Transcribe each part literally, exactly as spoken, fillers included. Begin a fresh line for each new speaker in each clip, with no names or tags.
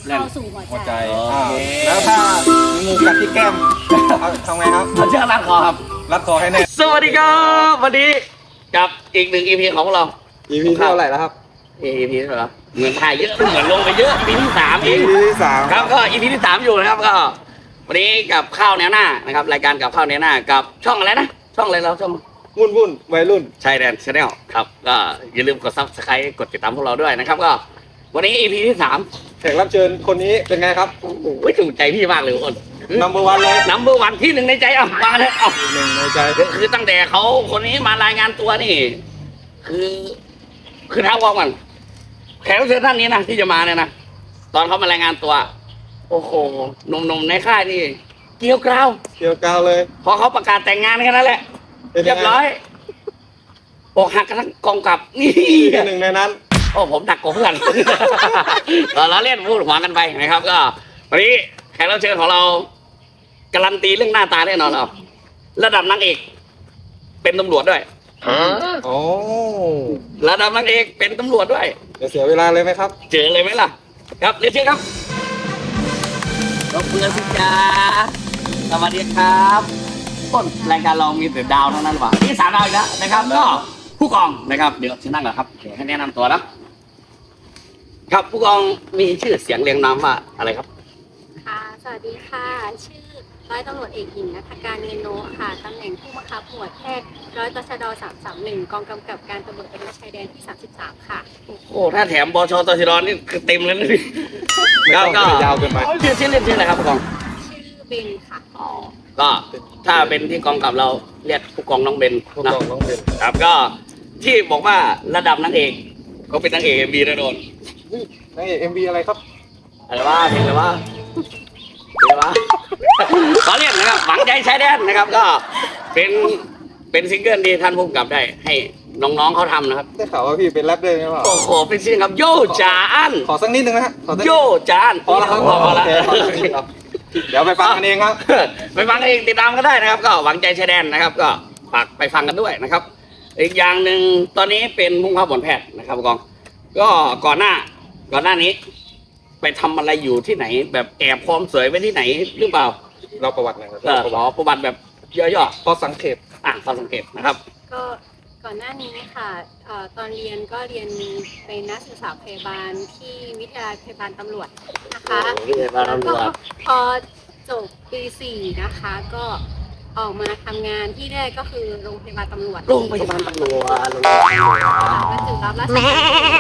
เข้าสู่หัว
หัว
ใจ
ใจอ่าแล้วถ้ามีงูกัดที่แก้มเอาทำไงครับ
เราเชื่อรัดคอครับ
รัดคอให้แน่
สวัสดีครับวันนี้กับอีกหนึ่ง อี พี ของเรา
อี พี เท่าไหร่แล้วครับ
อี พี เหรอเหมือนถ่ายเยอะเหมือนลงไปเยอะ อี พี ที่สามเอง
อี พี ที่สาม
ครับก็ อี พี ที่สามอยู่นะครับก็วันนี้กับข้าวแนวหน้านะครับรายการกับข้าวแนวหน้ากับช่องอะไรนะช่องอะไรเราช่อง
วุ่นวุ่นวัยรุ่น
ชายแดนชาแนลครับก็อย่าลืมกดซับสไครต์กดติดตามพวกเราด้วยนะครับก็วันนี้ อี พี ที่สาม
แขกรับเชิญคนนี้เป็นไงครับ
โอ้โหถูกใจพี่มากเลยอ้น
นัมเบอร์วันเลย
นัมเบอร์วันที่หนึ่งในใจอ่ะมาเลยเอ้า
หนึ่งในใจ
คือคือตั้งแต่เขาคนนี้มารายงานตัวนี่ คือคือท้าวอมกันแขกรับเชิญท่านนี้นะที่จะมาเนี่ยนะตอนเขามารายงานตัว โอ้โหหนุ่มๆในค่ายนี่เกลียวกราว
เกี่ยวกาวเลย
พอเขาประกาศแต่งงานแค่นั้นแหละ
เป็น
เรี
ยั
ย
ง
บ
ไง
ร้อยอกหักกันทั้งกองกับนี่
เป็นหนึ่งในนั้น
โอ้ผมดักกว่าเพื่อน เราเล่นพูดหัวกันไปนะครับ ก็วันนี้แขกรับเชิญของเราการันตีเรื่องหน้าตาแน่นอนเอาระดับนางเอก เป็นตำรวจด้วย
โอ้
ระดับนางเอกเป็นตำรวจด้วย
จะเสียเวลาเลยไหมครับ
เจอเลยไหมล่ะ ครับเรียนเชิญครับรบเพื่อนสิจ้าสวัสดีครับต้นรายการเรามีแต่ดาวเท่านั้นหรือเปล่านี่สามดาวอีกแล้วนะครับ ก็ผู้กองนะครับเดี๋ยวฉันนั่งก่อนครับเดี๋ยวให้แนะนำตัวนะครับผู้กองมีชื่อเสียงเรียงนามว่าอะไรครับ
ค่ะ สวัสดีค่ะ ชื่อร้อยตำรวจเอกหญิงนัฐการเงินโนค่ะ ตำแหน่งผู้บังคับหมวดแพทย์ร้อยตชดสามสามหนึ่งกองกำกับการตำรวจตระเวนชายแดนที่สามสิบสามค่ะ
โอ้ถ้าแถมบชตชดนี่คือเต็มเลยนะพี่
ไม่ต้อง
ก็
ยาวเกินไป
ชื่อชื่อเล่นชื่ออะไรครับผู้กอง
ชื่อเบนค่ะ
อ๋อก็ถ้าเป็นที่กองกับเราเรียกผู้กองน้องเบน
ผู้
นะ
กองน้องเป็น
ครับก็ที่บอกว่าระดับนางเอกก็เป็นนางเอกเอ็มบีนะโดน
นางเอกเอ็มวีอะไรครับ
อะไรวะเพลงอะไรวะเพลงอะไรวะขอเรียกนะครับหวังใจชายแดนนะครับ ก็เป็นเป็นซิงเกิลที่ท่านผู้กำกับได้ ให้น้องๆเขาทำนะครับ
ได้ข่าวว่าพี่เป็นแรปด้วยใช่ไหม
โอ้โหเป็นซิงครับโยจาอัน
ขอสักนิดนึงนะฮะขอสักนิด
โยจาอัน
พอแล้วครับ
พอพอแล้ว
โอเคครับเดี๋ยวไปฟังกันเองครับ
ไปฟังเองติดตามก็ได้นะครับ ก็หวังใจชายแดนนะครับ ก็ฝากไปฟังกันด้วยนะครับ อีกอย่างหนึ่งตอนนี้เป็นผู้ขับหมวดแพทย์นะครับผู้กอง ก็ก่อนหน้า ก่อนหน้านี้ ไปทำอะไรอยู่ที่ไหน แบบแอบความสวยไว้ที่ไหนหรือเปล่า
เราประวัติหน่อยครับ
เออขอประวัติแบบย่อ
พอสังเกต
ๆอ่ะฟังสังเกตนะครับ
ก็ก่อนหน้านี้ค่ะเอ่อตอนเรียนก็เรียนเป็นนักศึกษาพยาบาลที่วิทยาลัยพยาบาลตำรวจนะคะ
วิทยาลัยตำรวจ
แล้วก็พอจบปีสี่นะคะ ก็ออกมาทำงานที่แรกก็คือโรงพยาบาลตำรวจ
โรงพยาบาลตำรวจโรงพยาบาลตำรวจ
บรรจุรับราชการ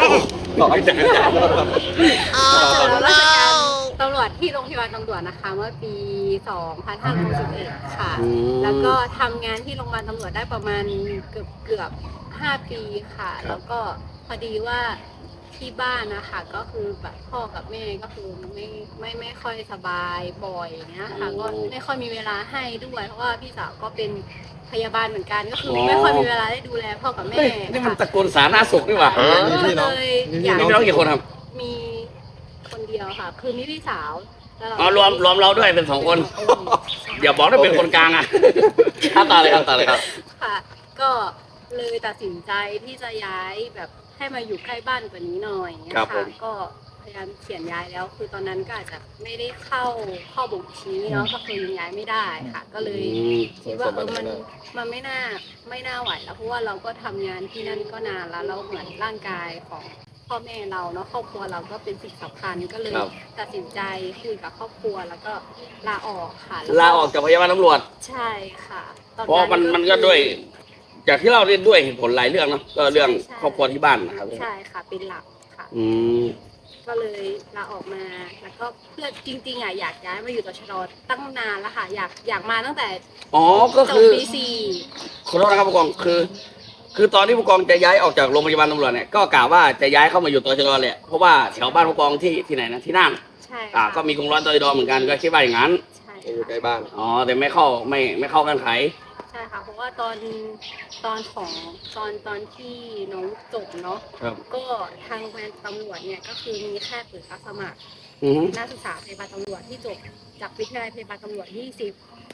ต่อให้จะ
บรรจุรับราชการตำรวจที่โรงพยาบาลตำรวจนะคะ เมื่อปี สองพันห้าร้อยหกสิบเอ็ด ค่ะ
อืม
แล้วก็ทำงานที่โรงพยาบาลตำรวจได้ประมาณเกือบเกือบห้าปีค่ะ แล้วก็พอดีว่าที่บ้านนะคะ ก็คือแบบพ่อกับแม่ก็คือไม่ไม่ไม่ค่อยสบายบ่อยอย่างเงี้ยค่ะ ก็ไม่ค่อยมีเวลาให้ด้วยเพราะว่าพี่สาวก็เป็นพยาบาลเหมือนกันก็คือไม่ค่อยมีเวลาได้ดูแลพ่อกับแม่
เฮ้ยนี่มัน
ค่ะ
ตระกูลสาธารณสุขนี่หว่า
มีพี่น้อง
เลย
มี
อ
พี่
ยาก
มี
น้อง
พี่น้องกี่คนครับ
มีคนเดียวค่ะ คือมีพี่สาวแล้วเา
อ๋อรวมรวมเราด้วยเป็นสองคน อย่าบอกว่าเป็นคนกลางอ่ะครับต่อเลยครับต่อเลยครับ
ค่ะ ก็เลยตัดสินใจที่จะย้ายแบบให้มาอยู่ใกล้บ้านกว่านี้หน่อยเนี่ย
ครับผ
ค่ะ
ม
ก็พยายามเขียนย้ายแล้ว คือตอนนั้นก็อาจจะไม่ได้เข้าข้อบ่งชี้เนาะก็คือยังย้ายไม่ได้ค่ะ ก็เลย
อืม
คิดว่าเออมันมันไม่น่าไม่น่าไหวแล้วเพราะว่าเราก็ทำงานที่นั่นก็นานแล้วเราเหมือนร่างกายของพ่อแม่เราเนาะครอบครัวเราก็เป็นสิ่งสำคัญก็เลย
ครับ
ตัดสินใจคุยกับครอบครัวแล้วก็ลาออกค่ะแว
ลาออกจากพยาบาลตำรวจ
ใช่ค่ะตอน
เพราะมันมันก็ด้วย จากที่เราเรียนด้วยเหตุผลหลายเรื่องเนอะก็เรื่องครอบครัวที่บ้านนะครับ
ใช่ค่ะเป็นหลักค่ะ
อืม
ก็เลยลาออกมาแล้วก็เพื่อจริงๆอ่ะอยากย้ายมาอยู่ตชดตั้งนานแล้วค่ะอยากอยากมาตั้งแต่
อ๋อก็
จบ
คือ
ปีสี่
ขอโทษนะครับผู้กองคือ คือตอนที่ผู้กองจะย้ายออกจากโรงพยาบาลตำรวจเนี่ยก็กล่าวว่าจะย้ายเข้ามาอยู่ตชดแหละเพราะว่าแถวบ้านผู้กองที่ที่ไหนนะที่น่าน
ใช่
อ่า
ค่ะ
ก็มีกองร้อยตชดเหมือนกันก็คิดว่าอย่างนั้น
ใช่
อยู่ใกล้
ค่ะ
บ้าน
อ๋อแต่ไม่เข้าไม่ไม่เข้ากันไข
ใช่ค่ะเพราะว่าตอนตอนของตอนตอนที่น้องจบเนาะ
ครับ
ก็ทางแฟนตำรวจเนี่ยก็คือมีแค่เปิดรับสมัคร
อือฮึ
นักศึกษาพยาบาลตำรวจที่จบจากวิทยาลัยพยาบาลตำรวจยี่สิบ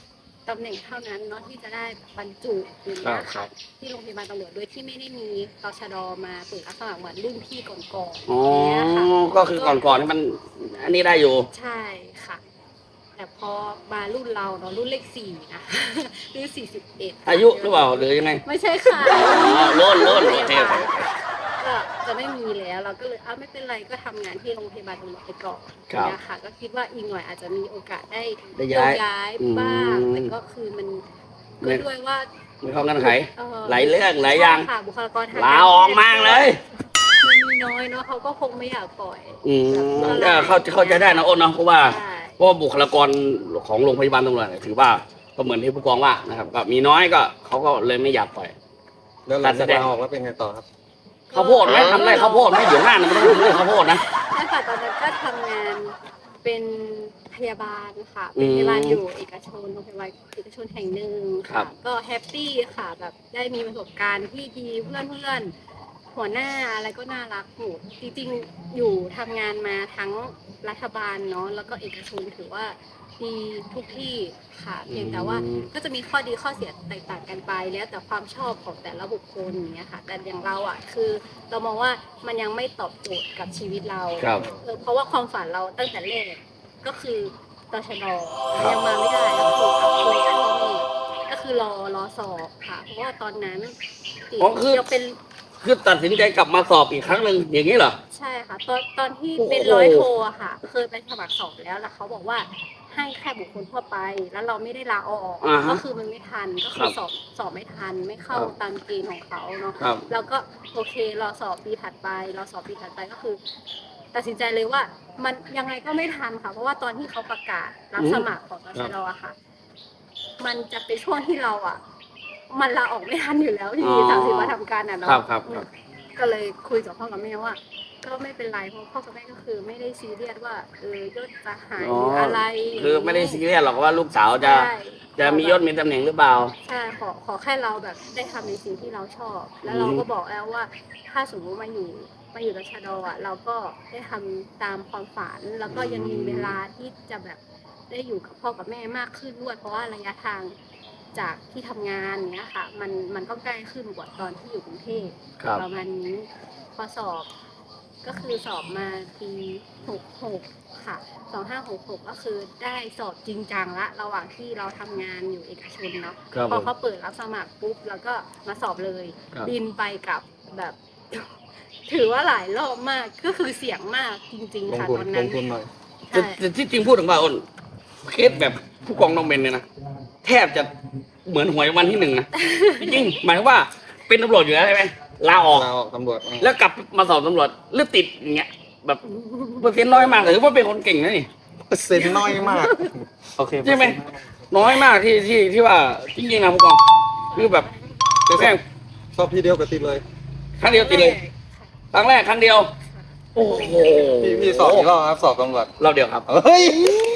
ตำแหน่งเท่านั้นเนาะที่จะได้บรรจุอย่างเงี้ย
ครั
ค่ะ
บ
ที่โรงพยาบาลตำรวจโดยที่ไม่ได้มีตชดมาเปิดรับสมัครเหมือนรุ่นพี่ก่อนๆ
อ๋อ
อย่างเงี้ยค่ะ
ก็คือก่อนๆนี่มันอันนี้ได้อยู่
ใช่ค่ะ แต่พอมารุ่นเราเนาะรุ่นเลขสี่นะ รุ่นสี่สิบเอ็ด
อายุหรือเปล่าหรือยังไง
ไม่ใช่ค่ะ
อ๋อรุ่นรุ่นโอเคโอเค
ก็จะไม่มีแล้วเราก็เลยอ้าวไม่เป็นไรก็ทำงานที่โรงพยาบาลตำรวจไปก่อน
ครับ
นะคะก็คิดว่าอีกหน่อยอาจจะมีโอกาสได้
ได้ย้าย
ย้ายบ้าง
อืม
แต่ก็คือมัน
ไม่
ก็ด้วยว่า
มีข้อเงื่อนไข
เอ่อ
หลายเรื่องหลายอย่าง
ใช่ค่ะบุคลากรทาง
ลาออกมากเลย
มันมีน้อยเนาะเขาก็คงไม่อยากปล่อย
อืม
แบบ
เออเข้าเข้าใจได้นะอ้นเนาะเพราะว่า
ใช่
เพราะว่าบุคลากรของโรงพยาบาลตำรวจเนี่ยถือว่าก็เหมือนที่ผู้กองว่านะครับก็มีน้อยก็เขาก็เลยไม่อยากปล่อย
แล้วหลังจากลาออกแล้วเป็นไงต่อครับ
ข้าวโพดไหมทำไรข้าวโพดไหมเดี๋ยวหน้ามันต้องทำไรข้าวโพดนะ
ใช่ค่ะตอนนั้นก็ทำงานเป็นพยาบาลค่ะ
อื
เป็น
ม
พยาบาลอยู่เอกชนโรงพยาบาลเอกชนแห่งหนึ่ง
ครั
ค่ะ
บ
ก็แฮปปี้ค่ะแบบได้มีประสบการณ์ที่ดีเพื่อนเพื่อนๆหัวหน้าอะไรก็น่ารักหมดจริงๆอยู่ทำงานมาทั้งรัฐบาลเนาะแล้วก็เอกชนถือว่าดีทุกที่ค่ะเพียงแต่ว่าก็จะมีข้อดีข้อเสียแตกต่างกันไปแล้วแต่ความชอบของแต่ละบุคคลอย่างเงี้ยค่ะแต่อย่างเราอ่ะคือเรามองว่ามันยังไม่ตอบโจทย์กับชีวิตเรา
ครับ
เออเพราะว่าความฝันเราตั้งแต่แรกก็คือตชด
ครับ
ยังมาไม่ได้ก็คือกับคุยกับพ่อแม่ก็คือรอรอสอบค่ะ เพราะว่าตอนนั้นติด
อ๋อคือ
ยังเป็น
คือตัดสินใจกลับมาสอบอีกครั้งหนึ่งอย่างนี้เหรอ
ใช่ค่ะ ตอนตอนที่
โอ้โห
เป็นร้อยโทอะค่ะ เคยไปสมัครสอบแล้วแล้วเขาบอกว่าให้แค่บุคคลทั่วไป แล้วเราไม่ได้ลาออก
อ่าฮะ
ก็คือมันไม่ทันก็คื
ครั
อบ สอบสอบไม่ทันไม่เข้า
ครับ
ตามเกณฑ์ของเขาเนาะ
ครับ
แล้วก็โอเครอสอบปีถัดไปรอสอบปีถัดไปก็คือ ตัดสินใจเลยว่ามันยังไงก็ไม่ทันค่ะ เพราะว่าตอนที่เขาประกาศรับสมัครของตชดอะค่ะ มันจะเป็นช่วงที่เราอ่ะ มันลาออกไม่ทันอยู่แล้วที่
อ๋อ
สามสิบวันทำการอ่ะเนาะ
ครับครับครับ
ก็เลยคุยกับพ่อกับแม่ว่า ก็ไม่เป็นไรเพราะพ่อกับแม่ก็คือไม่ได้ซีเรียสว่าเออยศจะหายหรืออะไร
คือไม่ได้ซีเรียสหรอกว่าลูกสาวจะ
ใช่
จะมียศมีตำแหน่งหรือเปล่า
ใช่ขอขอแค่เราแบบได้ทำในสิ่งที่เราชอบ แล้วเราก็บอกแล้วว่า ถ้าสมมติมาอยู่มาอยู่ตชดอ่ะ เราก็ได้ทำตามความฝัน แล้วก็ยังมีเวลาที่จะแบบได้อยู่กับพ่อกับแม่มากขึ้นด้วย เพราะว่าระยะทางจากที่ทำงานเนี้ยค่ะ มันมันก็ใกล้ขึ้นกว่าตอนที่อยู่กรุงเทพ
ครับ
ประมาณนี้พอสอบก็คือสอบมาปีหกหกค่ะสองห้าหกหกก็คือได้สอบจริงจังละระหว่างที่เราทำงานอยู่เอกชนเนาะ
ครับ
พอเขาเปิดรับสมัครปุ๊บแล้วก็มาสอบเลย
ครับ
บินไปกับแบบ ถือว่าหลายรอบมากก็คือเสี่ยงมากจริง
ล
ๆ
ง
ค่ะ
ทุน
ตอน
ล
นั้น
งทุนหน่อย
แต่
ใช่
แต่ที่จริงพูดถึงว่าอ้นเคสแบบผู้กองน้องเบนเนี่ยนะแทบจะเหมือนหวยวันที่หนึ่งนะ จริงๆหมายความว่าเป็นตำรวจอยู่แล้วใช่ไหมลาออก
ลาออกตำรวจอืม
แล้วกลับมาสอบตำรวจหรือติดอย่างเงี้ยแบบเปอร์เซ็นต์น้อยมากหรือว่าเป็นคนเก่งนะนี่
เปอร์เซ็นต์น้อยมาก โอเค
ใช่ไหม น้อยมากที่ที่ที่ว่าจริงๆนะผู้กองคือแบบแม่ง
สอบทีเดียวกับติดเลย
ครั้งเดียวติดเลยครั้งแรกครั้งเดียว โอ้โห
พี่พี่สอบกี่รอบครับสอบตำรวจ
รอบเดียวครับ
เฮ้ย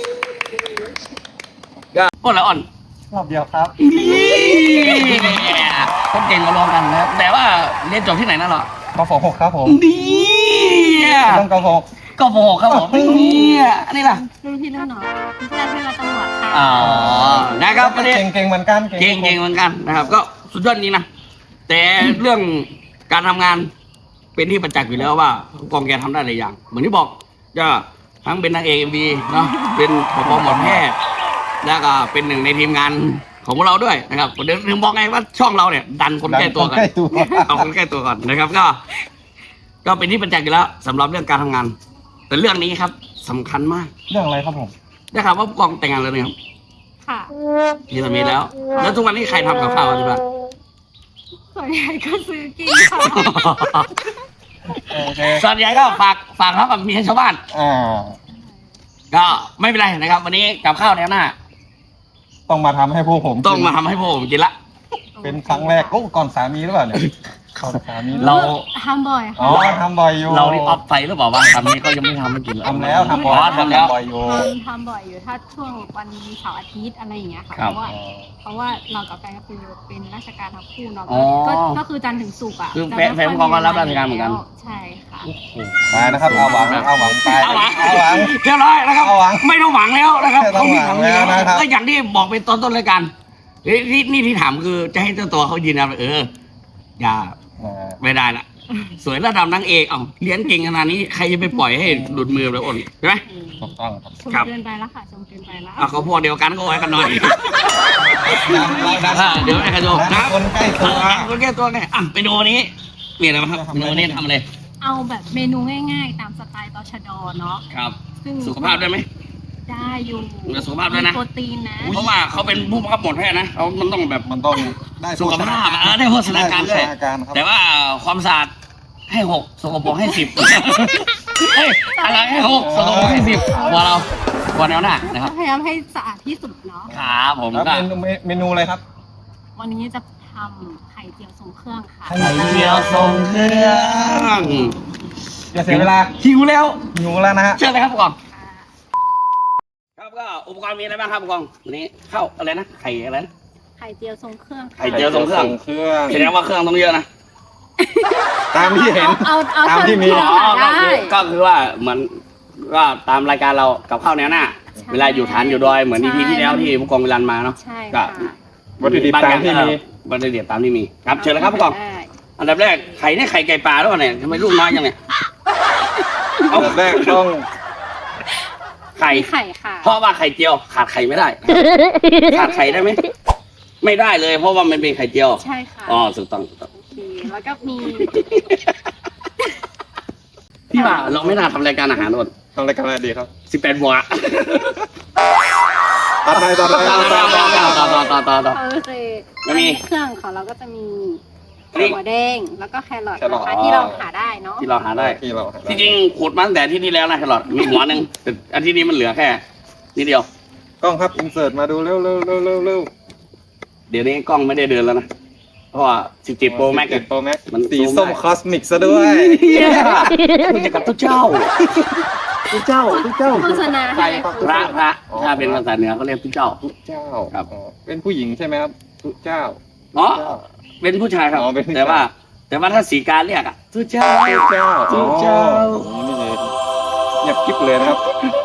ก็อ่อนละอ่อน
รอบเดียวครับ
คนเก่งมาลองกันนะครับแต่ว่าเรียนจบที่ไหนนั่นหรอก
ฟหกครับผม
ดี
ต้องกหก
ก็โผครับผมเนี่ยอันนี้ล่ะ
รุ่นพี่รุ่นน้องเพื่อนเพื่อนตำรวจค่ะ
อ๋อนะครับวันนี้
เก่งเก่งเหมือนกัน
เก่งเก่งเหมือนกันนะครับ ก็สุดยอดจริงนะแต่เรื่องการทำงานเป็นที่ประจักษ์อยู่แล้วว่ากองแกทำได้หลายอย่าง เหมือนที่บอกจะทั้งเป็นนางเอกเอ็มวีเนาะเป็นผบหมอแพทย์แล้วก็เป็นหนึ่งในทีมงานของพวกเราด้วยนะครับเดี๋ยวถึงบอกไงว่าช่องเราเนี่ย ดันคนใกล้ตัวกัน
ใกล้ตัว
เอาคนใกล้ตัวก่อนนะครับ ก็ ก็เป็นที่ประจักษ์อยู่แล้วสำหรับเรื่องการทำงาน แต่เรื่องนี้ครับสำคัญมาก
เรื่องอะไรครับผม
ได้ข่าวว่าผู้กองแต่งงานแล้วนะครับ
ค่ะ
มีสามีแล้ว แล้วทุกวันนี้ใครทำกับข้าวที่บ้าน
ส่วนใหญ่ก็ซื้อกินค่ะ
โอเค
ส่วนใหญ่ก็ฝากฝากเขากับเมียชาวบ้าน
อ่า
ก็ไม่เป็นไรนะครับ วันนี้กับข้าวแนวหน้า
ต้องมาทำให้พวกผม
ต้องมาทำให้พวกผมกินละ
เป็นครั้งแรกโอ้ก่อนสามีหรือเปล่าเนี่ยก่อนสามี
เรา
ทำบ่อย
อ๋อ
ค่ะ
ทำบ่อยอยู่
เรานี่ออฟไฟหรือเปล่าวะทำนี้ก็ยังไม่ทำให้กินเลย
ทำแล้วทำบ่อย
อ๋อทำแล้ว
บ่อยอยู่
ทำทำบ่อยอยู่ถ้าช่วงวันเสาร์อาทิตย์อะไรอย่างเงี้ยค่ะ
ครั
เพ
บ
ราะว่าเพราะว่าเรากับแฟนก็คือเป็นราชการทั้งคู่เนาะ
อ๋อ
ก็ก็คือจันทร์ถึงศุกร์อ่ะ
คือ
จะ
แฟน
ไม่ค่ย
แฟนของเราก็รับราชการเหมือนกัน
ใช่ค่ะ
มานะครับเอาหวังเอาหวังไป
เอาหวัง
เอาหวัง
เรียบร้อยนะครับ
เอาหวัง
ไม่ต้องหวังแล้วนะครับ
ไม่ต้องหวังแล้วนะครับ
ก็อย่างที่บอกไปตอนต้นรายการเฮ้ยนี่นี่ที่ถามคือจะให้เจ้าตัวเขายืนยันว่าเอออย่า
อ่า
ไม่ได้ละสวยระดับนางเอกเอ้าเลี้ยงเก่งขนาดนี้ใครจะไปปล่อยให้หลุดมือเลยอ้นใช่ไหม
ถูกต้องครับ
ชม
ครับ
เกินไปแล้วค่ะชมเกินไปแล้ว
อ่ะเขาพวกเดียวกันก็ไว้กันหน่อย
ดัง
อ่ะเดี๋ยวไอ้กระโดดนะ
คนใกล้ตัว
คนแก้ตัวไงอ่ะไปดูวันนี้มีอะไรบ้างครับเมนูวันนี้ทำอะไร
เอาแบบเมนูง่ายๆ ตามสไตล์ตชดเนาะ
ครับ
ซึ่ง
สุขภาพได้ไหม
ได้อยู่
มีสุขภาพด้วยนะ
มีโปรตีนนะ
เพราะว่าเขาเป็นผู้บังคับหมวดแพทย์นะเขามันต้องแบบ
มันต้องได้
สุขภาพอ่ะเออได้โภชนาการด้วย
ได้โภชนาการครับ
แต่ว่าความสะอาดให้หกสกปรกให้สิบเฮ้ยอะไรให้หกสกปรกให้สิบกว่าเรากว่าแนวหน้านะครับ
พยายามให้สะอาดที่สุดเนาะ
ครับผม
แล้ว
ก็
เมนูเมนูอะไรครับ
วันนี้จะทำไข่เจียวทรงเครื่องค่ะ
ไข่เจียวทรงเครื่อง
อย่าเสียเวลา
หิวแล้ว
หิวแล้วนะฮะ
เชิญเลยครับผู้กองครับก็อุปกรณ์มีอะไรบ้างครับผู้กองวันนี้ข้าวอะไรนะไข่อะไรนะ
ไข่เจียวทรงเครื่องค่ะ
ไข่เจียวทรงเครื่อง
เครื่อง
แสดงว่าเครื่องต้องเยอะนะ
ตามที่เห็น
เอาเอา
ตามที่มี
เท่
อ๋อ
ที่
ก็
เราหา
คือ
ได้
ก็คือว่าเหมือนก็ตามรายการเรากับข้าวแนวหน้า เวลาอยู่ฐานอยู่ดอยเหมือนอีพีที่แล้วที่ผู้กองเวลันมาเนาะ
ใช่
ก็
ค่ะ
วัตถุดิบตามที่มี
วัตถุดิบตามที่มีครับเชิญเลยครับผู้กอง
ได้
อันดับแรกไข่เนี่ยไข่ไก่ปลาหรือเปล่าเนี่ยทำไมลูกน้อยจังเนี่ย
อันดับแรกต้อง
ไข่
มีไข่ค่ะ
เพราะว่าไข่เจียวขาดไข่ไม่ได้ ขาดไข่ได้ไหมไม่ได้เลย เพราะว่ามันเป็นไข่เจียว
ใช่ค่ะ
อ๋อถูกต้องถูกต้อง
โอเคแล้วก็มี
พี่ว่าเราไม่น่าทำรายการอาหารหมด
ทำรายการอะไรดีครับ
สิบแปดบวก
ตัดไปตัดไป
ต่อ
ตัดไป
ต่อต่อต่อต่อต่อต่อ
โอเค
แล้วมี
เครื่องของเราก็จะมี
นี่
หัวแดงแล้วก็แครอท
แครอท
นะคะที่เราหาได้เนาะ
ที่เราหาได้
ที่เรา
ที่จริงขูดมาตั้งแต่อาที่นี่แล้วนะแครอทมีหัวหนึ่งแต่อาทิตย์นี้มันเหลือแค่นิดเดียว
กล้องครับอินเสิร์ตมาดูเร็วเร็วเร็วเร็วเร็ว
เดี๋ยวนี้กล้องไม่ได้เดินแล้วนะ เพราะว่าสิบเจ็ด Pro Max
สิบเจ็ด Pro Max
มัน
สี
ซูม
ส้ม
ได้
คอสมิกซะด้วย
มันจะกับทุกเจ้าทุกเจ้าทุกเจ้า
โฆษณาให้
พระพระถ้าเป็นภาษาเหนือเขาเรียกทุกเจ้า
ทุกเจ้า
ครับ
อ๋อเป็นผู้หญิงใช่ไหมครับทุกเจ้า
อ๋อ
เจ้า
เป็นผู้ชายครับ
อ๋อเป็นผู้ชาย
แต่ว่า แต่ว่าถ้าสีการเรียกอะทุกเจ้า
ทุกเจ้า
ทุกเจ้า
อ๋อนี่เองเงียบกิ๊บเลยนะครับ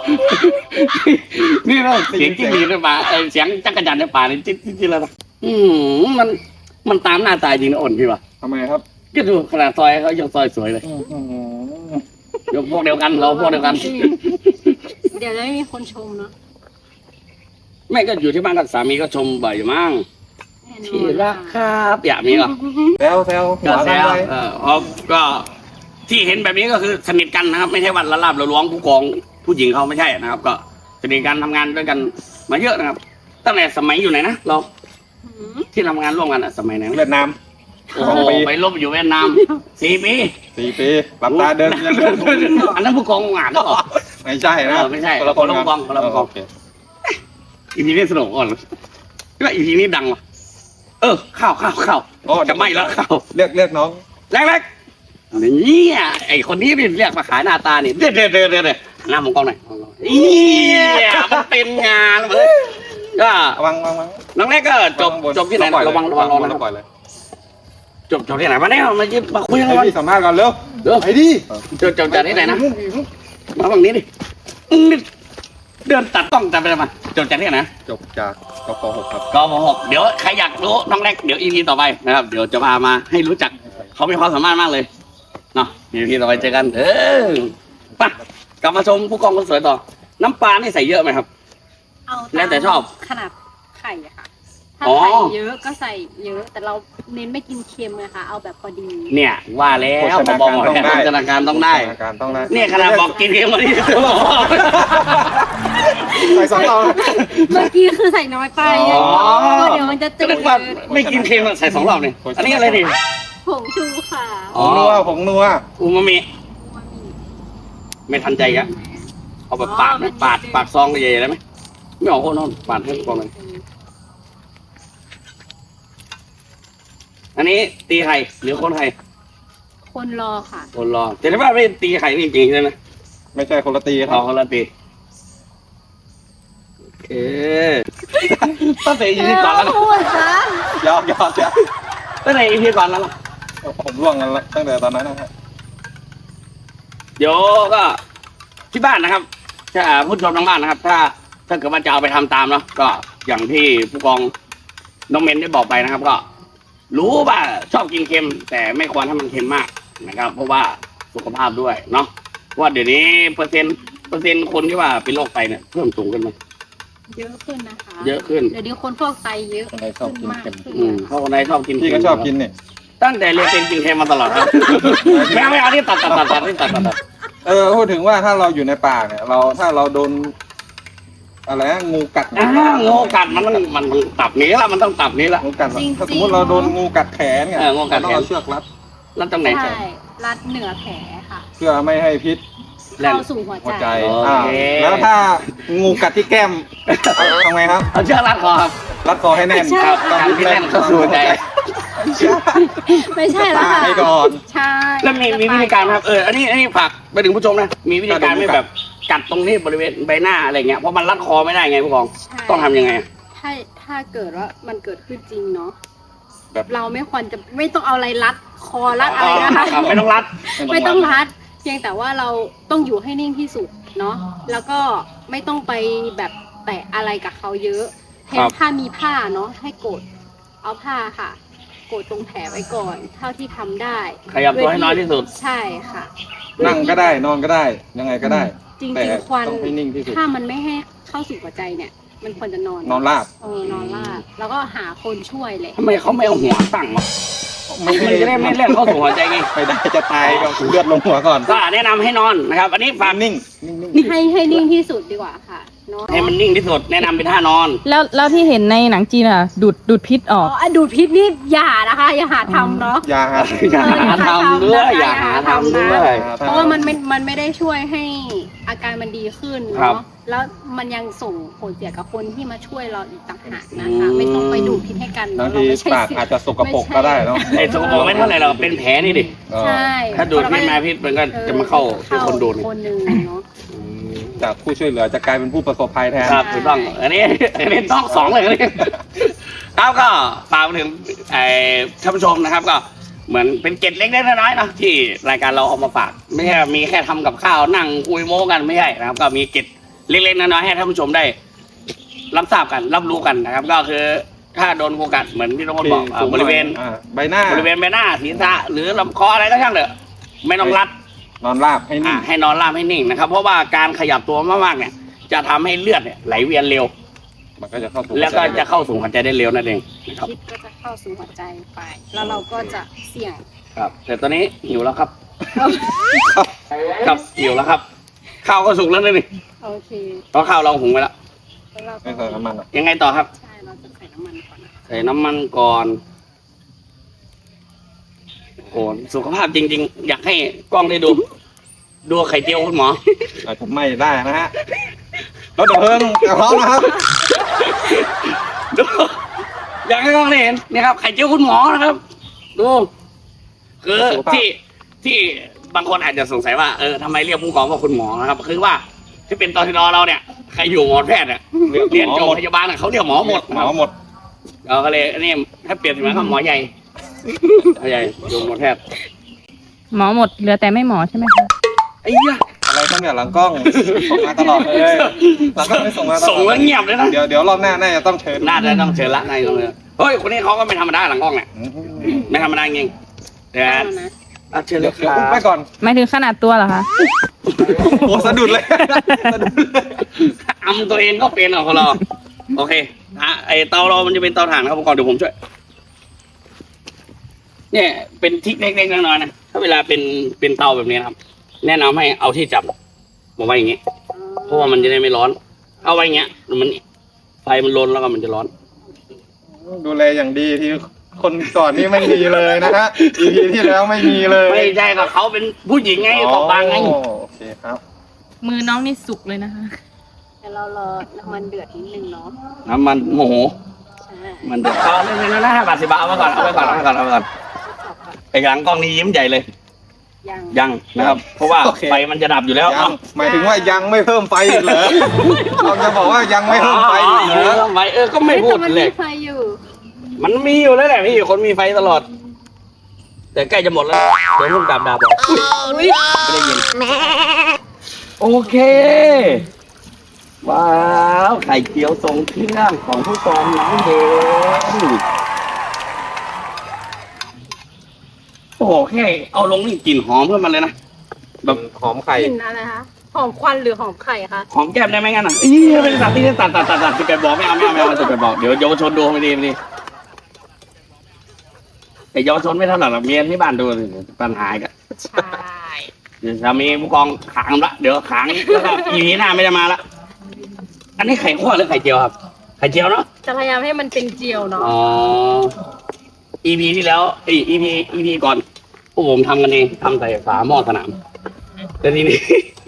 นี่เราเสียงจิ้งหรีดในป่าเออเสียงจักรจันทร์ในป่านี่จิ๊ดจิ๊ดจิ๊ดแล้วนะอืมมันมันตามหน้าตายจริงนะอ่อนพี่วะ
ทำไมครับ
ก็ดูขนาดซอยเขายังซอยสวยเลย
อื้อหือ
เดี๋ยวพวกเดียวกันเราพวกเดียวกัน
เดี๋ยวจะไม่มีคนชมเนาะ
ไม่ก็อยู่ที่บ้านกับสามีก็ชมบ่อยอยู่มั้ง
แน่นอน
ที่รักครับอยากมีเหรอ
แซวแซวหั
ก็
ว
แซ
กัน
ว
ไป
เอออ๋อก็ที่เห็นแบบนี้ก็คือสนิทกันนะครับ ไม่ใช่วันละลาบละล้วงผู้กองผู้หญิงเขาไม่ใช่นะครับ ก็สนิทกันทำงานด้วยกันมาเยอะนะครับ ตั้งแต่สมัยอยู่ไหนนะเรา
หืม
ที่ทำงานร่วมกันอะสมัยไหนนะ
เวียดนาม
โอ้โหไปลบอยู่เวียดนามสี่ปี
สี่ปีหลับตาเดินยังเดิน
อันนั้นผู้กองงานหรือเปล่า
ไม่ใช่นะ
เออไม่ใช่
คนละคน
คนละผู้กองคนละผู้กอง
โเค
อีพีนี้สนุกอ่อนว่าอีพีนี้ดังว่ะเออข้าวข้าวข้าว
โอ้
จะไม่แล้วข้าว
เรียกเรียกน้อง
แรกๆเนี่ยไอคนนี้นี่เรียกมาขายหน้าตาเนี่ยเด้อเด้อเด้อเด้อเด้อหน้ามองกล้องหน่อยเนี่ยมันเป็นงานเลยก็
วางวางวาง
น้องแรกก็จบ
วางบน
จบที่ไหน
ปล่อย
ระวังระวังระวัง
แล้
นะ
วปล่อยเลย
จบจบที่ไหนมาเนี่ยมาจิมาคุยกัน
ให้
ก่อน
พี่สัมภาษณ์ก่อนเร็ว
เดี๋ยว
ไปดิ
จบจบจากที่ไหนนะมาฝั่งนี้ดิอื้อเดินตัดกล้องจับไปเลยมาจบจากที่ไหนนะ
จบจากกปหกครับ
กมหกเดี๋ยวใครอยากรู้น้องแรกเดี๋ยวอีพีต่อไปนะครับ เดี๋ยวจะพามาให้รู้จักเขามีความสามารถมากเลยเนาะอีพีต่อไปเจอกัน เออไปกลับมาชมผู้กองคนสวยต่อ น้ำปลานี่ใส่เยอะไหมครับ
เอา
แล้วแต่ชอบ
ขนาดไข่อะค่ะ ถ้า
อ๋อ
ไข่เยอะก็ใส่เยอะ แต่เราเน้นไม่กินเค็มเลยค่ะ เอาแบบพอดี
เนี่ยว่าแล้วผมบอกว่าโภชนาการต้องได้
โภชนาการต้องได้
เนี่ยขนาดบอกกินเค็มมาที่
ใส่สองเตา
เมื่อกี้คือใส่น้อยไป
อ๋อ
ก็เดี๋ยวมันจะจื
ก็
ด
นึกว่าไม่กินเค็มอะใส่สองรอบเนี่ยอันนี้อะไรดิ
ผงชูค่ะ
อ๋
ผ
อ
งนัวผงนัว
อูมามิไม่ทันใจอ่ะเอาแบบปาดไหมปาดปาดซองใหญ่ๆได้ไหมไม่เอาโคนนอนปาดให้กองเลยอันนี้ตีไข่หรือคนไข่
คนรอค่ะ
คนรอแต่ถ้าว่าไม่ตีไข่จริงๆใช่ไหม
ไม่ใช่คนละตีค
เอา
รับ
คนละตีโอเคตั้งแต่อีพีก่อนแล้วนะ
พูดซะ
ยอมยอมยอม
ตั้งแต่อีพีก่อนแล้วนะ
ผมร่วงกันแล้วตั้งแต่ตอนนั้นนะครับ
เดี๋ยวก็ที่บ้านนะครับถ้าผู้ชมทางบ้านนะครับ ถ้าถ้าเกิดว่าจะเอาไปทำตามเนาะก็อย่างที่ผู้กองน้องเมนได้บอกไปนะครับ ก็ รู้ว่าชอบกินเค็ม แต่ไม่ควรให้มันเค็มมากนะครับ เพราะว่าสุขภาพด้วยเนาะเพราะว่าเดี๋ยวนี้เปอร์เซ็นต์เปอร์เซ็นต์คนที่ว่าเป็นโรคไตเนี่ยเพิ่มสูงขึ้นไหม
เยอะขึ้นนะคะ
เยอะขึ้น
เดี๋ยวนี้คนฟอกไตเยอะ
คนไทยชอบกิน
มาก
เค็ม
ขึ้น
อืมเพราะคนไทยชอบกิน
พี่ก็ชอบกินเนี่ย
ตั้งแต่เรียนเป็นกินเค็มมาตลอดครับ ไม่เอาไม่เอาที่ตัดตัดตัดตัดที่ตัดตัดตัด
เออพูดถึงว่าถ้าเราอยู่ในป่าเนี่ย เราถ้าเราโดนอะไรนะงูกัด
อ่างูกัดมันต้องมันต้องตับนี้ละมันต้องตับนี้ละ
งูกัดถ้าสมมติเราโดนงูกัดแขนเนี่ย
เอองูกัดแขน
เราต้องเอาเชือกรัด
แล้วตรงไหน
ใช่รัดเหนือแผลค่ะ
เพื่อไม่ให้พิษ
แล่น
เข้าสู่หัว
หัว
ใจ
ใจ
โอเค
อ่าแล้วถ้างูกัดที่แก้มทำไงครับ
เอาเชือกรัดคอครับ
รัดคอให้แน่น
ครับการที่แน่นเข้าสู่หัวใจ
ไม่ใช่แล้วค่ะ
ให้ก่อน
ใช่
แล้วมีมีวิธีการไหมครับเอออันนี้อันนี้ฝากไปถึงผู้ชมนะมีวิธีการไม่แบบกัดตรงนี้บริเวณใบหน้าอะไรเงี้ยเพราะมันรัดคอไม่ได้ไงผู้กอง
ใช่
ต้องทำยังไงอะ
ถ้าถ้าเกิดว่ามันเกิดขึ้นจริงเนาะ
แบบ
เราไม่ควรจะไม่ต้องเอาอะไรรัดคอรัดอะไรนะคะ
ครับไม่ต้องรัด
ไม่ต้องรัด เพียงแต่ว่าเราต้องอยู่ให้นิ่งที่สุดเนาะแล้วก็ไม่ต้องไปแบบแตะอะไรกับเขาเยอะเห็นถ้ามีผ้าเนาะให้กดเอาผ้าค่ะ กดตรงแผลไว้ก่อน เท่าที่ทำได้
ขยับตัวให้น้อยที่สุด
ใช่ค่ะ
นั่งก็ได้นอนก็ได้ยังไงก็ได้
จริง
แต่
ๆควัน
ต้องให้นิ่งที่สุด
ถ้ามันไม่ให้เข้าสู่หัวใจเนี่ย มันควรจะนอน
นอนราบ
เออนอนราบแล้วก็หาคนช่วยเลย
ทำไมเขาไม่เอาหัวตั้งวะมันจะได้ไม่เล่นเข้าสู่หัวใจไง
ไม่ได้จะตายก็เลือดลงหัวก่อน
ก็แนะนำให้นอนนะครับ อันนี้ฝาก
นิ่งนิ่ง
ให้ให้นิ่งที่สุดดีกว่าค่ะเนาะ
ให้มันนิ่งที่สุดแนะนำเป็นท่านอน
แล้วแล้วที่เห็นในหนังจีนอ่ะ ดูดดูดพิษอ
อ๋
อ
อก อะดูดพิษนี่อย่านะคะ อย่าหาทำเนาะ
ยาหา
อย่าหาทำด้วยอย่าหาทำด้วย
เพราะว่ามันไม่มันไม่ได้ช่วยให้อาการมันดีขึ้น
ครับ
เนาะแล้วมันยังส่งผลเสียกับคนที่มาช่วยเราอีกต่างหากนะคะ ไม่ต้องไปดูดพิษให้กัน
บาง
เรา
ที
ไม่ใช่
ปาก
สิ
อาจจะสกปรกก็ได้เนาะ
ไอ้สกปรกไม่เท่าไหร่เราเป็นแผลนี่ดิ
ใช่
ถ้าดูดพิษมาพิษมันก็จะมาเข้าที่คนดูดนี่
คนหนึ่งเนาะ
จากผู้ช่วยเหลือจะกลายเป็นผู้ประสบภัยแทน
ครับถูกต้อง อันนี้อันนี้ต้องสองเลยนี่ครับก็ฝากไปถึงไอ้ท่านผู้ชมนะครับ ก็เหมือนเป็นเกร็ดเล็กๆน้อยๆนะที่รายการเราเอามาฝาก ไม่ใช่มีแค่ทำกับข้าวนั่งคุยโม้กันไม่ใช่นะครับ ก็มีเกร็ดเล็กๆน้อยๆให้ท่านผู้ชมได้ รับทราบกันรับรู้กันนะครับ ก็คือถ้าโดนงูกัดเหมือนที่น้องคนบอกอ่าบริเวณ
อ่าใบหน้า
บริเวณใบหน้าศีรษะหรือลำคออะไรก็ช่างเถอะไม่ต้องรัด
นอนราบให้นิ่
อ่าง ให้นอนราบให้นิ่งนะครับ เพราะว่าการขยับตัวมากๆเนี่ย จะทำให้เลือดเนี่ยไหลเวียนเร็ว
มันก็จะเข้าสู่
แล้วก็จะเข้าสู่หัวใจได้เร็วนั่นเองนะครับ
พิษก็จะเข้าสู่หัวใจไป แล้วเราก็จะเสี่ยง
ครับ แต่ตอนนี้หิวแล้วครับ ครับหิวแล้วครับ ข้าวก็สุกแล้วนะนี่
โอเค
เพราะข้าวเราหุงไปแล้ว
แล้วเรา
ไม่
ก็
ใส่น้ำมันหรอก
ยังไงต่อครับ
ใช่เราจะใส่น้ำมันก่อนนะ
ใส่น้ำมันก่อนโอ้โหสุขภาพจริง ๆ อยากให้กล้องได้ดู ดูไข่เจียวคุณหมอ
อาจจะไม่ได้นะฮะรถดับเพลิงพร้อมนะครับ
ดู อยากให้กล้องได้เห็นนี่ครับไข่เจียวคุณหมอนะครับ ดูคือที่ที่บางคนอาจจะสงสัยว่าเออทำไมเรียกผู้กองว่าคุณหมอนะครับ คือว่าที่เป็นตอนที่รอเราเนี่ยใครอยู่หมอแพทย์เนี่ยเรียนจบพยาบาลเนี่ยเขาเรียกหมอหมด
หมอหมด
เราก็เลยอันนี้ถ้าเปรียบเสมือนกับหมอใหญ่หมอใหญ่อยู่หมอแพทย์
หมอหมดเหลือแต่ไม่หมอใช่ไหมคะ
ไอ้เหี้ย
อะไรตั้งแต่หลังกล้องส่งมาตลอดเลยหลังกล้องไม่ส่งมาตลอด
ส่งแล้วเงียบเลยนะ
เดี๋ยวเดี๋ยวรอบหน้าน่าจะต้องเชิญ
น่าจะต้องเชิญละนายตรงนี้เฮ้ยคนนี้เขาก็ไม่ธรรมดาหลังกล้องเนี่ย
อืม
ไม่ธรรมดาจริงเดี๋ยว
เอานะ
อ่ะเชิญเล
เดี๋ยวย
ค
เดี๋ยว
รั
อุ้มไป
บ
ก่อน
หมายถึงขนาดตัวเหรอคะ
โอ้สะดุดเลยสะดุดเลย
อำตัวเองก็เป็นเหรอคนเราโอเคฮะไอเตาเรามันจะเป็นเตาถ่านครับผมก่อนเดี๋ยวผมช่วย เนี่ยเป็นทริกเล็กๆน้อยๆนะถ้าเวลาเป็นเป็นเตาแบบนี้นะครับ แนะนำให้เอาที่จับมาไว้อย่างนี้ เพราะว่ามันจะได้ไม่ร้อน เอาไว้อย่างเงี้ยมันไฟมันลนแล้วก็มันจะร้อน
ดูแลอย่างดีที่คนก่อนนี่ไม่มีเลยนะฮะ อี พี ที่แล้วไม่มีเลย
ไม่ใช่ก็เขาเป็นผู้หญิงไงขอบางไง
อ๋อโอเคครับ
มือน้องนี่สุกเลยนะคะ
เดี๋ยวเรารอน้ำมันเดือดนิดนึงเนาะ
น้ำมันโมโห
ใช่
มันเดือดเอาเรื่องนี้นะห้าบาทสิบบาทเอาไว้ก่อนเอาไว้ก่อนเอาไว้ก่อนเอาไว้ก่อนไอ้หลังกล้องนี้ยิ้มใหญ่เลย
ยัง
ยังนะครับ เพราะว่า
โอเค
ไฟมันจะดับอยู่แล้ว
ยังหมายถึงว่ายังไม่เพิ่มไฟอีกเหรอเราจะบอกว่ายังไม่เพิ่มไฟอีกเหรอ
ไฟเออก็ไม่พูด
แต่มัน
เล
มี
ย
ไฟอยู่
มันมีอยู่แล้วแหละพี่คนมีไฟตลอด แต่ใกล้จะหมดแล้วเดี๋ยวพุ่งดับดับบอกอุ๊ยไม่ได้ยินโอเคว้าวไข่เจียวทรงเครื่องของผู้กองน้องเบนโอ้โหแค่เอาลงนี่กลิ่นหอมขึ้นมาเลยนะ
แบบหอมไข่
กลิ่นอะไรคะหอมควันหรือหอมไข่คะ
หอมแก้มได้ไหมงั้นอ่ะอีไม่ได้ตัดที่ตัดตัดตัดตัดสิบแปดบอกไม่เอาไม่เอาไม่เอาสิบแปดบอกเดี๋ยวเยาวชนดูไม่ดีไม่ดีแต่เยาวชนไม่เท่าไหร่หรอกเมียที่บ้านดูปัญหากัน
ใช่
เดี๋ยวสามีผู้กองขางละเดี๋ยวขางแล้วก็อีพีหน้าไม่ได้มาละอันนี้ไข่ข้นหรือไข่เจียวครับไข่เจียวเนาะ
จะพยายามให้มันเป็นเจียวเนาะ
อ๋อ อีพีที่แล้วเอ้อีพีอีพีก่อนพวกผมทำกันเองทำใส่ฝาหม้อสนามแต่ทีนี้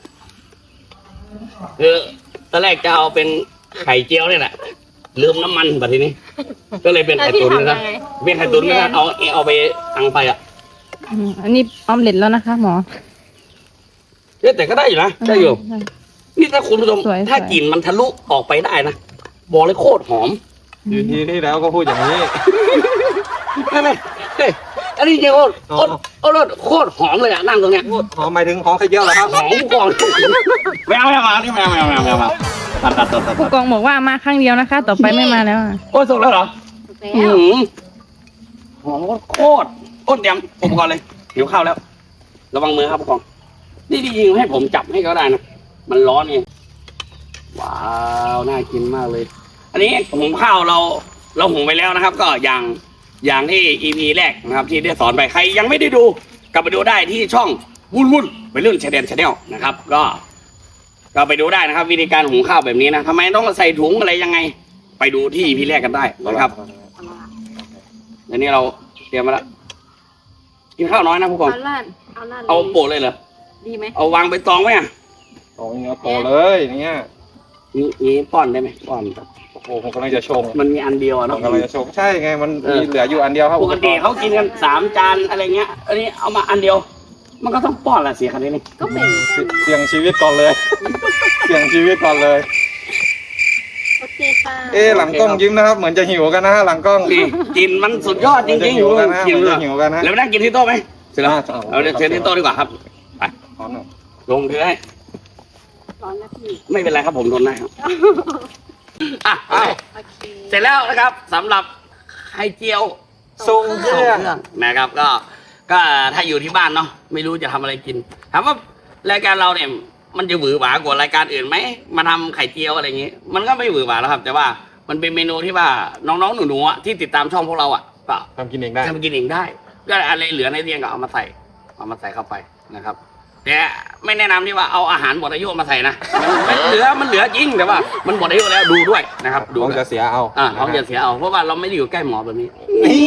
คือตอนแรกจะเอาเป็นไข่เจียวเนี่ยแหละลืมน้ำมันแบบทีนี้ ก็เลยเป็นไข่ตุ๋นนะครับเป็นไข่ตุ๋นนะครับเอาเอาไปทางไปอ่ะ
อืมอันนี้ออมเล็ตแล้วนะคะ หมอ
เอ้ยแต่ก็ได้อยู่นะได้อยู่
ได้
นี่ถ้าคุณผู้ชม
สวยๆ
ถ้ากลิ่นมันทะลุออกไปได้นะบอกเลยโคตรหอม
อีพีที่แล้วก็พูดอย่างนี้
ไม่ไม่เฮ้ยอันนี้จริงโคตรโคตรโคตรโคตรหอมเลยอ่ะนั่งตรงเนี้ย
หอมหมายถึงหอมไข่เจียวเหรอครับ
หอมก่อนไม่เอาไม่เอามานี่ไม่เอาไม่เอาไม่เอาไม่เอามาตัดตัดตัดตัด
ผู้กองบอกว่ามาครั้งเดียวนะคะ ต่อไปไม่มาแล้วอะ
โอ้ยสุกแล้วเหรอ
แล้
อื
ว
มหอมโคตรโคตรเตรียมอุปกรณ์เลยหิวข้าวแล้ว ระวังมือครับผู้กองนี่จริงๆให้ผมจับให้ก็ได้นะมันร้อนไงว้าวน่ากินมากเลย อันนี้หุงข้าวเราเราหุงไปแล้วนะครับ ก็อย่างอย่างที่ อี พี แรกนะครับ ที่ได้สอนไปใครยังไม่ได้ดูกลับไปดูได้ที่ช่องวุ่นวุ่นไปเรื่องชาแนลชาแนลนะครับ ก็ก็ไปดูได้นะครับ วิธีการหุงข้าวแบบนี้นะทำไมต้องใส่ถุงอะไรยังไง ไปดูที่ อี พี แรกกันได้นะครับอันนี้เราเตรียมมาแล้วกินข้าวน้อยนะผู้กอง
เอาล่านเอาล่าน
เอาโปะเลยเหรอ
ดีไหม
เอาวางไปตองไว้อ่ะ
โอ้ยเนื้อโตเลยอย่างเงี้ย
นี่นี่ป้อนได้ไหมป้อน
โอ้โหผมกำลังจะชง
มันมีอันเดียว
ผ
อะ
ม
เนาะ
กำลังจะชงใช่ไงมัน
เออ
มีเหลืออยู่อันเดียวครับ
ปกติเขากินกันสามจานอะไรเงี้ย อันนี้เอามาอันเดียว มันก็ต้องป้อนแหละเสียคันนี้นี่
ก็แบ่งกัน
เสี่ยงชีวิตก่อนเลย เสี่ยงชีวิตก่อนเลย
โอเคค่ะ
เอ๊ะหลังกล้องยิ้มนะครับ เหมือนจะหิวกันนะฮะหลังกล้อง
นี่กินมันสุดยอดจ
เหมือนจะ
ริงๆ
หิวกันนะ
กิน
เหมือน
เล
จะ
ย
หิวกันนะ
แล้วไปนั่งกินที่โต๊ะไหมเสร็จแล้ว
อ่ะ
เอาเดี๋ยวเชิญที่โต๊ะดีกว่าครับไป
พร้อมหน่อย
ลงถือให้
ร้อนนะพี่
ไม่เป็นไรครับผมทนได้ครับอ่ะไป
โอเค
เสร็จแล้วนะครับสำหรับไข่เจียว
ทรงเครื่อง
นะครับก็ก็ถ้าอยู่ที่บ้านเนาะไม่รู้จะทำอะไรกินถามว่ารายการเราเนี่ยมันจะหวือหวากว่ารายการอื่นไหมมาทำไข่เจียวอะไรอย่างงี้ มันก็ไม่หวือหวาแล้วครับ แต่ว่ามันเป็นเมนูที่ว่าน้องๆหนูๆอะที่ติดตามช่องพวกเราอ่ะก็
ทำกินเองได้
ทำกินเองได้ก็อะไรเหลือในเตียงก็เอามาใส่เอามาใส่เข้าไปนะครับแต่ไม่แนะนำที่ว่าเอาอาหารหมดอายุมาใส่นะมันเหลือมันเหลือจริงแต่ว่า มันหมดอายุแล้วดูด้วยนะครับดู
ท้อง
ด้วย
จะเสียเอา
อ่าท้องจะเสียเอาเพราะว่าเราไม่ได้อยู่ใกล้หมอแบบนี้
นี่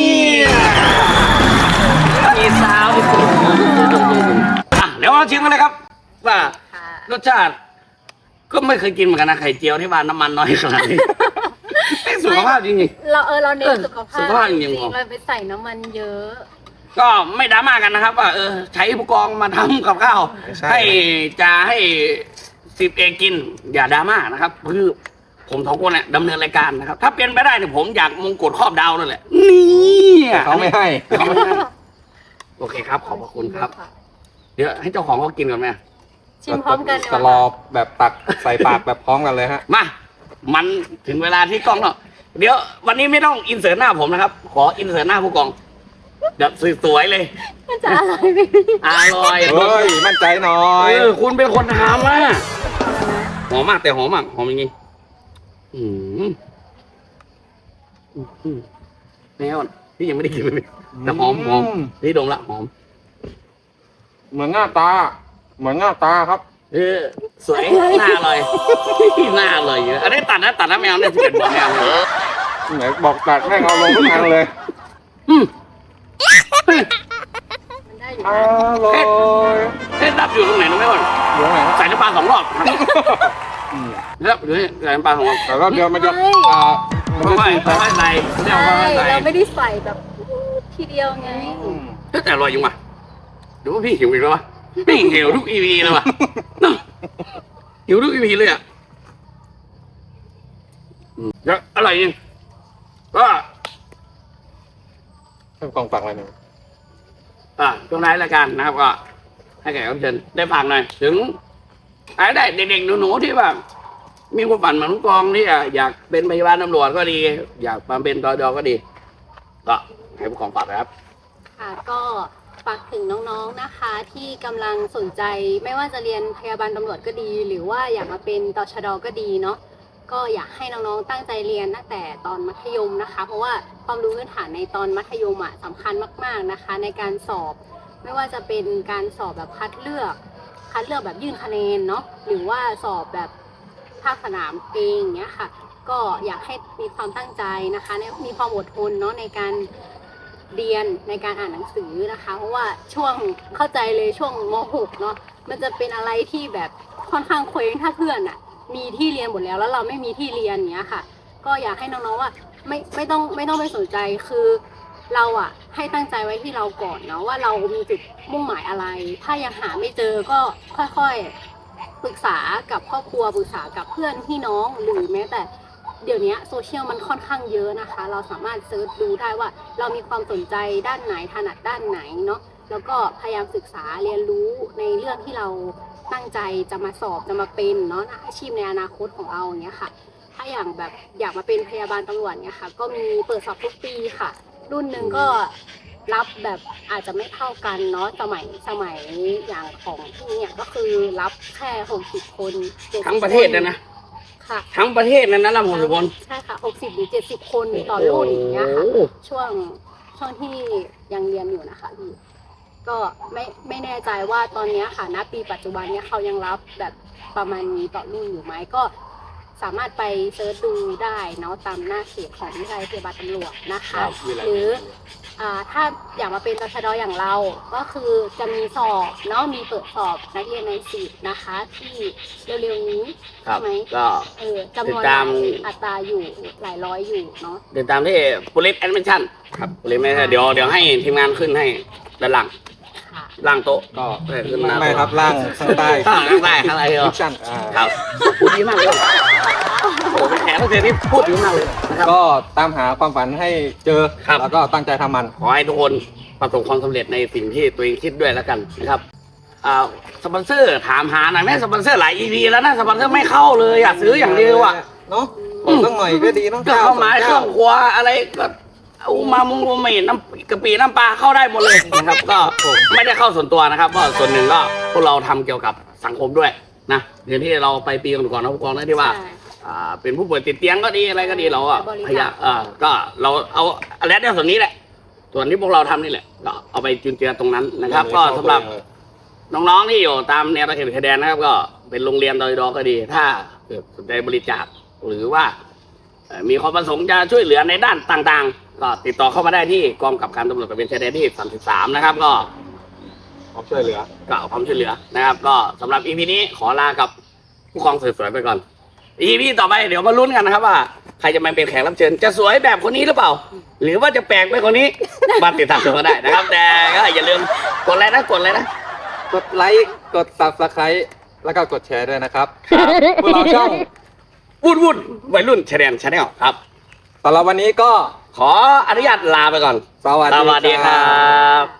มีซาวที่สุดอ่ะเดี๋ยวเราชิมกันเลยครับ ว่า
ค่ะ
รสชาติ ก็ไม่เคยกินเหมือนกันนะไข่เจียวที่ว่าน้ำมันน้อยขนาดนี้ ไม่สุขภาพจริง
เราเออเราเน้นสุขภาพ
สุขภาพจริงๆ
จริง
ผม
เราไปใส่น้ำมันเยอะ
ๆก็ไม่ดราม่ากันนะครับ ว่าเออใช้ผู้กองมาทำกับข้าว
ใช่
ให้จะให้สิบเอกกิน อย่าดราม่านะครับคือผมสองคนเนี่ยดำเนินรายการนะครับ ถ้าเป็นไปได้เนี่ยผมอยากมงกุฎครอบดาวนั่นแหละนี่
เขาไม่ให้
เขาไม่ให้โอเคครับ ขอบพระคุณครับ เดี๋ยวให้เจ้าของเขากินก่อนไหม
ชิมพร้อมกันเลย
ตลอบแบบตักใส่ปากแบบพร้อมกันเลยฮะ
มา มันถึงเวลาที่กล้องแล้วเดี๋ยววันนี้ไม่ต้องอินเสิร์ตหน้าผมนะครับ ขออินเสิร์ตหน้าผู้กองแบบสวยๆเลย
มันจะอร่อยไหม
อร่อย
เฮ้ย มั่นใจหน่อย
เออคุณเป็นคนทำอ่ะหอมมากแต่หอมมากหอมจริงๆอืมอืมแน่นพี่ยังไม่ได้กินเลยแต่หอมหอมนี่ดมละหอม
เหมือนหน้าตา เหมือนหน้าตาครับ
เออสวยหน้าอร่อยหน้าอร่อยเยอะอันนี้ตัดนะตัดนะแมวเนี่ยสิบเอ็ดบอกแมวเลย
ไหนบอกตัดแม่งเอาลงทุกอันเลย
อืม
มันได้อยู่
อ
นะ
ร่อย
เอ๊ะดับอยู่ตรงไหนรู้ไหมวะ
อยู่ไหนครับ
ใส่น้ำปลาสองรอบแล้วเดี๋ยวนี้ใส่น้ำปลาสองรอบ
แต่รอบเดียวมันจะอ่ามัน
ค่
จะ
อย
จืด
ๆค่อยๆใส่เรียก
ใช่
ว่าค่อยๆใส่
เราไม่ได้ใส่แบบทีเดียวไง
เฮ้ยแต่อร่อยจริงว่ะหรือว่าพี่หิวอีกแล้ววะพี่หิวทุกอีพีเลยว่ะเนอะหิวทุกอีพีเลยอ่ะอืมแล้วอร่อยจริงก็
ให้กองฝักอะไรหนึ่ง
อ่าช่วงท้ายรายการนะครับก็ให้แขกรับเชิญได้ฟังหน่อยถึงอะไรได้เด็กๆหนูๆที่แบบมีความฝันเหมือนผู้กองที่อยากเป็นพยาบาลตำรวจก็ดี อยากมาเป็นตดก็ดี ก็ให้ผู้กองฝากนะครับ
ค่ะก็ฝากถึงน้องๆนะคะ ที่กำลังสนใจไม่ว่าจะเรียนพยาบาลตำรวจก็ดี หรือว่าอยากมาเป็นตชดก็ดีเนาะก็อยากให้น้องๆตั้งใจเรียนตั้งแต่ตอนมัธยมนะคะ เพราะว่าความรู้พื้นฐานในตอนมัธยมอ่ะสำคัญมากๆนะคะ ในการสอบไม่ว่าจะเป็นการสอบแบบคัดเลือกคัดเลือกแบบยื่นคะแนนเนาะหรือว่าสอบแบบภาคสนามเองอย่างเงี้ยค่ะก็อยากให้มีความตั้งใจนะคะมีความอดทนเนาะในการเรียนในการอ่านหนังสือนะคะเพราะว่าช่วงเข้าใจเลยช่วงม หก เนาะมันจะเป็นอะไรที่แบบค่อนข้างเคว้งถ้าเพื่อนอะมีที่เรียนหมดแล้วแล้วเราไม่มีที่เรียนอย่างเงี้ยค่ะก็อยากให้น้องๆว่าไม่ไม่ต้องไม่ต้องไปสนใจคือเราอะให้ตั้งใจไว้ที่เราก่อนเนาะว่าเรามีจุดมุ่งหมายอะไร ถ้ายังหาไม่เจอก็ค่อยๆปรึกษากับครอบครัวปรึกษากับเพื่อนพี่น้องหรือแม้แต่เดี๋ยวนี้โซเชียลมันค่อนข้างเยอะนะคะเราสามารถเซิร์ชดูได้ว่าเรามีความสนใจด้านไหนถนัดด้านไหนเนาะแล้วก็พยายามศึกษาเรียนรู้ในเรื่องที่เราตั้งใจจะมาสอบจะมาเป็นเนาะอาชีพในอนาคตของเราอย่างเงี้ยค่ะถ้าอย่างแบบอยากมาเป็นพยาบาลตำรวจเนี่ยค่ะก็มีเปิดสอบทุกปีค่ะ รุ่นหนึ่งก็รับแบบอาจจะไม่เท่ากันเนาะสมัยสมัยอย่างของที่เนี่ยก็คือรับแค่หกสิบคนจ็ดสิบ
ทั้งประเทศนะนะ
ค่ะ
ทั้งประเทศนั้นนะลำหกสิบคน
ใช่ค่ะหกสิบหรือเจ็ดสิบคนต่อรุ่นอย่างเงี้ยค่ะ
โอ้โห
ช่วงช่วงที่ยังเรียนอยู่นะคะพี่ก็ไม่ไม่แน่ใจว่าตอนเนี้ยค่ะณปีปัจจุบันเนี้ยเขายังรับแบบประมาณนี้ต่อรุ่นอยู่ไหมก็สามารถไปเซิร์ชดูได้เนาะตามหน้าเพจของวิทยาลัยพยาบาลตำรวจนะคะ หรืออ่าถ้าอยากมาเป็นตชดอย่างเราก็คือจะมีสอบเนาะมีเปิดสอบนักเรียนในสิบนะคะที่เร็วๆนี้
ครั
ใช่
บ
ไหม
ก็
เออจำนวน
ติดตาม
อัตราอยู่หลายร้อยอยู่เนาะ
ติดตามที่ police admission ครับ police admission เดี๋ยวเดี๋ยวให้ทีมงานขึ้นให้ด้านหลัง
ค่ะ
ล่างโต๊ะ
ก็
เออขึ้นมา
ไม่ครับล่างข้างใต้
ข้างล่างได้ข้างล่างเหรอ
ดิชั่นอ่า
ครับพูดดีมากเลยโอ้โหเป็นแขกรับเชิญที่พูดดีมากเลยนะครับ
ก็ตามหาความฝันให้เจอ
ครับ
แล้วก็ตั้งใจทำมัน
ขอให้ทุกคนประสบความสำเร็จในสิ่งที่ตัวเองคิดด้วยแล้วกันนะครับอ่าสปอนเซอร์ถามหาหน่อยไหมสปอนเซอร์หลาย อี พี แล้วนะสปอนเซอร์ไม่เข้าเลยอยากซื้ออย่างเดียวอ่ะ
เนาะขอสักหน่อยก็ดีเนาะ
ก็เข้ามาเครื่องครัวอะไรก็เอามามุงมุงไม่น้ำกะปิน้ำปลาเข้าได้หมดเลยนะครับ ก็ไม่ได้เข้าส่วนตัวนะครับก็ส่วนหนึ่งก็พวกเราทำเกี่ยวกับสังคมด้วยนะเดี๋ยวที่เราไปปีก่อนๆนะผู้กองนะที่ว่า
ใช่
อ่าเป็นผู้ป่วยติดเตียงก็ดีอะไรก็ดีเราอ่ะ
บริจาค
พยายามเออก็เราเอาอะไรเนี่ยส่วนนี้แหละ ส่วนที่พวกเราทำนี่แหละก็เอาไปจุนเจือตรงนั้นนะครับ ก็สำหรับน้องๆที่อยู่ตามแนวตะเข็บชายแดนนะครับ ก็เป็นโรงเรียนดอยดอก็ดี ถ้าเกิดสนใจบริจาคหรือว่าเอ่อมีความประสงค์จะช่วยเหลือในด้านต่างๆ ก็ติดต่อเข้ามาได้ที่กองกับการตำรวจตระเวนชายแดนที่สามสิบสามนะครับ ก็
ขอช่วยเหลือ
ก็เอาความช่วยเหลือนะครับ ก็สำหรับ อี พี นี้ขอลากับผู้กองสวยๆไปก่อน อี พี ต่อไปเดี๋ยวมาลุ้นกันนะครับว่าใครจะมาเป็นแขกรับเชิญจะสวยแบบคนนี้หรือเปล่า หรือว่าจะแปลกไปคนนี้ มาติดตามชมกันได้นะครับ แต่ก็อย่าลืมกดไลค์นะกดเลยนะ
กดไลค์กด ซับสไครบ์ แล้วก็กดแชร์ด้วยนะครับพวกเราช่อง
วุ่นวุ่นวัยรุ่นชาแนลชาแนลครับ
สำหรับวันนี้ก็
ขออนุญาตลาไปก่อน
สวัส
สวัส
ดี
ดี
ค
ค
รั
รับ บ